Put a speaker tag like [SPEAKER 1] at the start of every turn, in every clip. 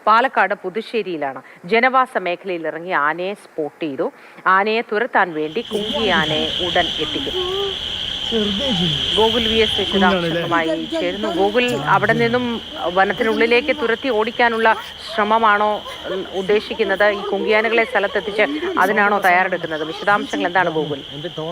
[SPEAKER 1] പാലക്കാട് പുതുശ്ശേരിയിലാണ്. ജനവാസ മേഖലയിൽ ഇറങ്ങി ആനയെ സ്പോട്ട് ചെയ്തു. ആനയെ തുരത്താൻ വേണ്ടി കുങ്കിയാനയെ ഉടൻ എത്തിക്കും. ഗോകുൽ VS വിശദാംശങ്ങളുമായി ചേരുന്നു. ഗോകുൽ, അവിടെ നിന്നും വനത്തിനുള്ളിലേക്ക് തുരത്തി ഓടിക്കാനുള്ള ശ്രമമാണോ ഉദ്ദേശിക്കുന്നത്? ഈ കുങ്കിയാനകളെ സ്ഥലത്തെത്തിച്ച് അതിനാണോ തയ്യാറെടുക്കുന്നത്? വിശദാംശങ്ങൾ എന്താണ് ഗോകുൽ?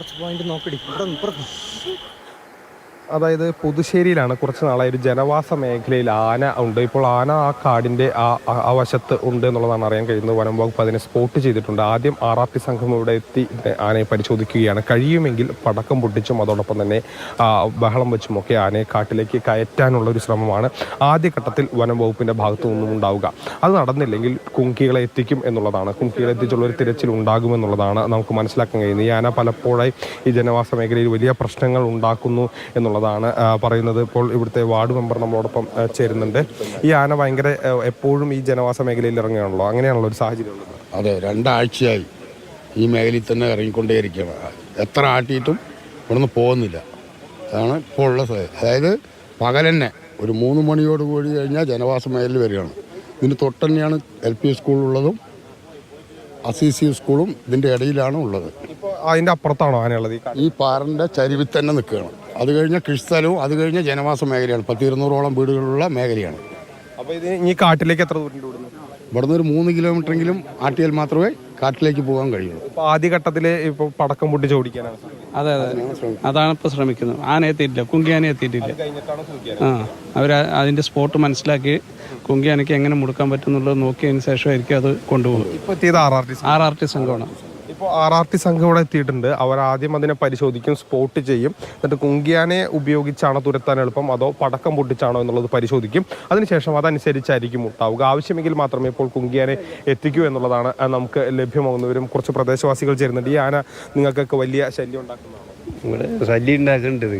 [SPEAKER 2] അതായത് പുതുശ്ശേരിയിലാണ് കുറച്ച് നാളായി ഒരു ജനവാസ മേഖലയിൽ ആന ഉണ്ട്. ഇപ്പോൾ ആന ആ കാടിൻ്റെ ആ വശത്ത് ഉണ്ട് എന്നുള്ളതാണ് അറിയാൻ കഴിയുന്നത്. വനം വകുപ്പ് അതിനെ സ്പോട്ട് ചെയ്തിട്ടുണ്ട്. ആദ്യം RRT സംഘം ഇവിടെ എത്തി ആനയെ പരിശോധിക്കുകയാണ്. കഴിയുമെങ്കിൽ പടക്കം പൊട്ടിച്ചും അതോടൊപ്പം തന്നെ ബഹളം വെച്ചുമൊക്കെ ആനയെ കാട്ടിലേക്ക് കയറ്റാനുള്ള ഒരു ശ്രമമാണ് ആദ്യഘട്ടത്തിൽ വനം വകുപ്പിൻ്റെ ഭാഗത്തു നിന്നും ഉണ്ടാവുക. അത് നടന്നില്ലെങ്കിൽ കുങ്കികളെ എത്തിക്കും എന്നുള്ളതാണ്. കുങ്കികളെ എത്തിച്ചുള്ളൊരു തിരച്ചിൽ ഉണ്ടാകുമെന്നുള്ളതാണ് നമുക്ക് മനസ്സിലാക്കാൻ കഴിയുന്നത്. ഈ ആന പലപ്പോഴായി ഈ ജനവാസ മേഖലയിൽ വലിയ പ്രശ്നങ്ങൾ ഉണ്ടാക്കുന്നു എന്നുള്ളതാണ് പറയുന്നത്. ഇപ്പോൾ ഇവിടുത്തെ വാർഡ് മെമ്പർ നമ്മളോടൊപ്പം ചേരുന്നുണ്ട്. ഈ ആന ഭയങ്കര എപ്പോഴും ഈ ജനവാസ മേഖലയിൽ ഇറങ്ങുകയാണല്ലോ, അങ്ങനെയാണല്ലോ ഒരു സാഹചര്യം ഉള്ളത്?
[SPEAKER 3] അതെ, 2 ആഴ്ചയായി ഈ മേഖലയിൽ തന്നെ ഇറങ്ങിക്കൊണ്ടേയിരിക്കുകയാണ്. എത്ര ആട്ടിയിട്ടും ഇവിടുന്ന് പോകുന്നില്ല. അതാണ് ഇപ്പോൾ ഉള്ള അതായത് പകൽ തന്നെ ഒരു 3 മണിയോട് കൂടി കഴിഞ്ഞാൽ ജനവാസ മേഖലയിൽ വരികയാണ്. ഇതിന് തൊട്ട് തന്നെയാണ് LP സ്കൂളുള്ളതും ACC സ്കൂളും ഇതിൻ്റെ ഇടയിലാണ് ഉള്ളത്.
[SPEAKER 2] ഇപ്പോൾ അതിൻ്റെ അപ്പുറത്താണോ ആനയുള്ളത്? ഈ
[SPEAKER 3] പാറിൻ്റെ ചരിവിൽ തന്നെ നിൽക്കുകയാണ്. അത് കഴിഞ്ഞ കൃഷിസ്ഥലവും അത് കഴിഞ്ഞ ജനവാസ മേഖലയാണ്. 10-200ഓളം വീടുകളുള്ള മേഖലയാണ്.
[SPEAKER 2] അപ്പോൾ ഇത് ഈ കാട്ടിലേക്ക് എത്ര ദൂരം ഇവിടുന്ന്?
[SPEAKER 3] ഇവിടുന്ന് ഒരു 3 കിലോമീറ്ററെങ്കിലും ആട്ടിയാൽ മാത്രമേ കാട്ടിലേക്ക് പോകാൻ കഴിയുള്ളൂ.
[SPEAKER 2] ഇപ്പോൾ ആദ്യഘട്ടത്തിൽ ഇപ്പോൾ പടക്കം പൊട്ടിച്ച് ഓടിക്കാനാണ്.
[SPEAKER 4] അതെ, അതാണ് ഇപ്പോൾ ശ്രമിക്കുന്നത്. ആന എത്തിയിട്ടില്ല, കുങ്കിയാന എത്തിയിട്ടില്ല. അതിന്റെ സ്പോട്ട് മനസ്സിലാക്കി കുങ്കിയാനയ്ക്ക് എങ്ങനെ മുടുക്കാൻ പറ്റും എന്നുള്ളത് നോക്കിയതിന് ശേഷമായിരിക്കും അത് കൊണ്ടുപോകും.
[SPEAKER 2] ഇപ്പോൾ എത്തിയത്
[SPEAKER 4] RRT സംഘമാണ്.
[SPEAKER 2] ഇപ്പോൾ RRT സംഘം ഇവിടെ എത്തിയിട്ടുണ്ട്. അവർ ആദ്യം അതിനെ പരിശോധിക്കും, സ്പോട്ട് ചെയ്യും. എന്നിട്ട് കുങ്കിയാനെ ഉപയോഗിച്ചാണോ തുരത്താൻ എളുപ്പം അതോ പടക്കം പൊട്ടിച്ചാണോ എന്നുള്ളത് പരിശോധിക്കും. അതിനുശേഷം അതനുസരിച്ചായിരിക്കും ഉണ്ടാവുക. ആവശ്യമെങ്കിൽ മാത്രമേ ഇപ്പോൾ കുങ്കിയാനെ എത്തിക്കൂ എന്നുള്ളതാണ് നമുക്ക് ലഭ്യമാകുന്നവരും. കുറച്ച് പ്രദേശവാസികൾ ചേരുന്നുണ്ട്. ഈ ആന നിങ്ങൾക്കൊക്കെ വലിയ ശല്യം ഉണ്ടാക്കുന്നതാണോ?
[SPEAKER 5] ഇവിടെ ശല്യം ഉണ്ടാക്കേണ്ടത്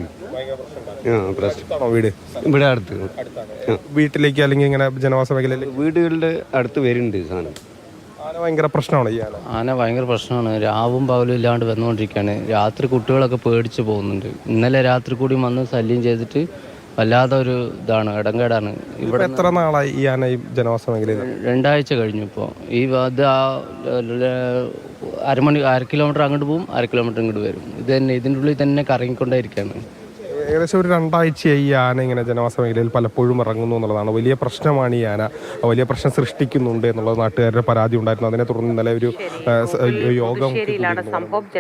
[SPEAKER 2] വീട്
[SPEAKER 5] ഇവിടെ അടുത്ത്
[SPEAKER 2] വീട്ടിലേക്ക് അല്ലെങ്കിൽ ഇങ്ങനെ ജനവാസ മേഖലയിലേക്ക്
[SPEAKER 5] വീടുകളുടെ അടുത്ത് വരുന്നുണ്ട് സാധനം.
[SPEAKER 2] ആന ഭയങ്കര പ്രശ്നമാണ്. ഈ
[SPEAKER 6] ആന ഭയങ്കര പ്രശ്നമാണ്. രാവും പകലും ഇല്ലാണ്ട് വന്നുകൊണ്ടിരിക്കുകയാണ്. രാത്രി കുട്ടികളൊക്കെ പേടിച്ച് പോകുന്നുണ്ട്. ഇന്നലെ രാത്രി കൂടി വന്ന് ശല്യം ചെയ്തിട്ട് വല്ലാതെ ഒരു ഇതാണ്, ഇടങ്കേടാണ്.
[SPEAKER 2] ഇവിടെ എത്ര നാളായി ഈ ആന ഈ ജനവാസ മേഖലയിൽ?
[SPEAKER 6] 2 ആഴ്ച കഴിഞ്ഞു. ഇപ്പോൾ ഈ അത് 1/2 കിലോമീറ്റർ അങ്ങോട്ട് പോകും, 1/2 കിലോമീറ്റർ ഇങ്ങോട്ട് വരും. ഇത് തന്നെ ഇതിൻ്റെ ഉള്ളിൽ തന്നെ കറങ്ങിക്കൊണ്ടേയിരിക്കുകയാണ്.
[SPEAKER 2] ഏകദേശം ഒരു 2 ആഴ്ചയായി ഈ ആന ഇങ്ങനെ ജനവാസ മേഖലയിൽ പലപ്പോഴും ഇറങ്ങുന്നു എന്നുള്ളതാണ്. വലിയ പ്രശ്നമാണ് ഈ ആന, വലിയ പ്രശ്നം സൃഷ്ടിക്കുന്നുണ്ട് എന്നുള്ളത് നാട്ടുകാരുടെ പരാതി ഉണ്ടായിരുന്നു. അതിനെ തുടർന്ന് ഇന്നലെ ഒരു യോഗം